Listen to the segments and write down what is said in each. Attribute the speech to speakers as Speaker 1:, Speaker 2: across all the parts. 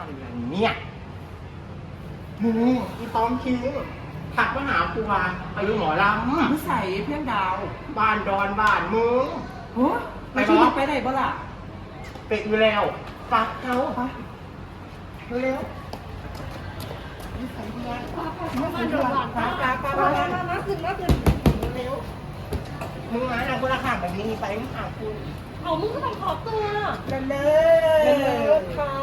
Speaker 1: อะไรเนี่ยอีตอมคิงถักมาหาครูวาอายุหมอล
Speaker 2: นิสัยเพื่อนดาว
Speaker 1: ำบ้านดอนบ้านมึง
Speaker 2: โอ้ไปช่วยไปไหนบ้างล่ะ
Speaker 1: เป็ดอยู่แล้วปักเขาเร็วนิสัยเพื่อนมาโดนหลังป้าขึ้นเร็วมึงมาเราคนละข้างแบบนี้ไปมึงหาคุณ
Speaker 3: เอามึงก็ต้องขอตัว
Speaker 1: เร็วค่ะ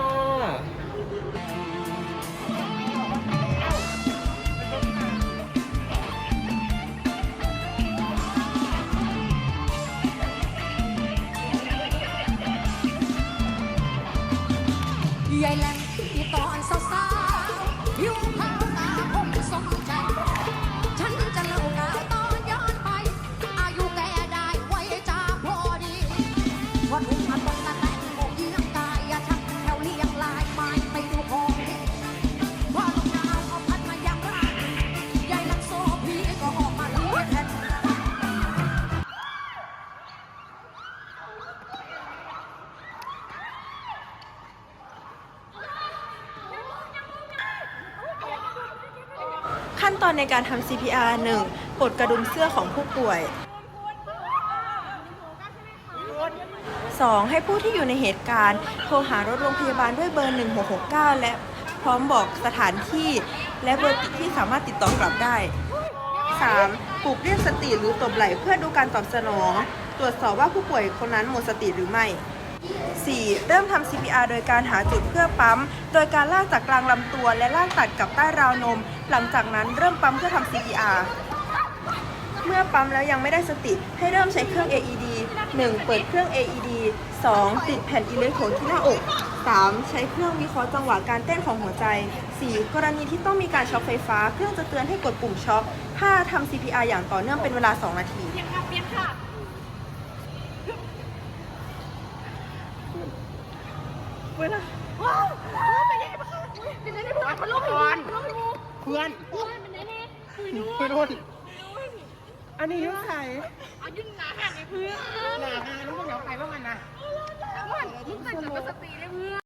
Speaker 4: ใหญ่แหลมที่ตอนสาวๆผิวขาวตาคมสมใจฉันจะเล่าข่าวตอนย้อนไปอายุแกได้ไว้จ่าพอดีวันหุ่นมาตรงตะแต่งโมกเยี่ยงกายอย่าชักแถวเรียงลายไม้ไปดูของพอลมหนาวเอาพัดมายังร่างใหญ่ลักโซพีก็ออกมาเลียแทน
Speaker 5: ขั้นตอนในการทำ CPR 1. ปลดกระดุมเสื้อของผู้ป่วย 2. ให้ผู้ที่อยู่ในเหตุการณ์โทรหารถโรงพยาบาลด้วยเบอร์ 1669 และพร้อมบอกสถานที่และเบอร์ที่สามารถติดต่อกลับได้ 3. ปลุกเรียกสติหรือตบไหล่เพื่อดูการตอบสนอง ตรวจสอบว่าผู้ป่วยคนนั้นหมดสติหรือไม่ 4. เริ่มทำ CPR โดยการหาจุดเพื่อปั๊ม โดยการลากจากกลางลำตัวและลากตัดกับใต้ราวนม หลังจากนั้นเริ่มปั๊มเพื่อทำ CPR เมื่อปั๊มแล้วยังไม่ได้สติให้เริ่มใช้เครื่อง AED 1. เปิดเครื่อง AED 2. ติดแผ่นอิเล็กโทรดที่หน้าอก 3. ใช้เครื่องวิเคราะห์จังหวะการเต้นของหัวใจ 4. กรณีที่ต้องมีการช็อคไฟฟ้าเครื่องจะเตือนให้กดปุ่มช็อค 5. ทำ CPR อย่างต่อเนื่องเป็นเวลา 2 นาที
Speaker 3: เปียกค่ะ
Speaker 1: เวลา
Speaker 3: ว้าวไปไหนบ้างเป็นไงเพื่อนมันลงไป
Speaker 1: เพื่อน
Speaker 3: มันไหนเนี่ย
Speaker 1: ไปรุ่นอันนี้ยุ่งใคร
Speaker 3: ยุ่งหนาหักไอ้เพื่อน
Speaker 1: หนาฮาลูกเดี๋ยวไปว่ามันนะ
Speaker 3: มึงแต่จะสติเลยเพื่อน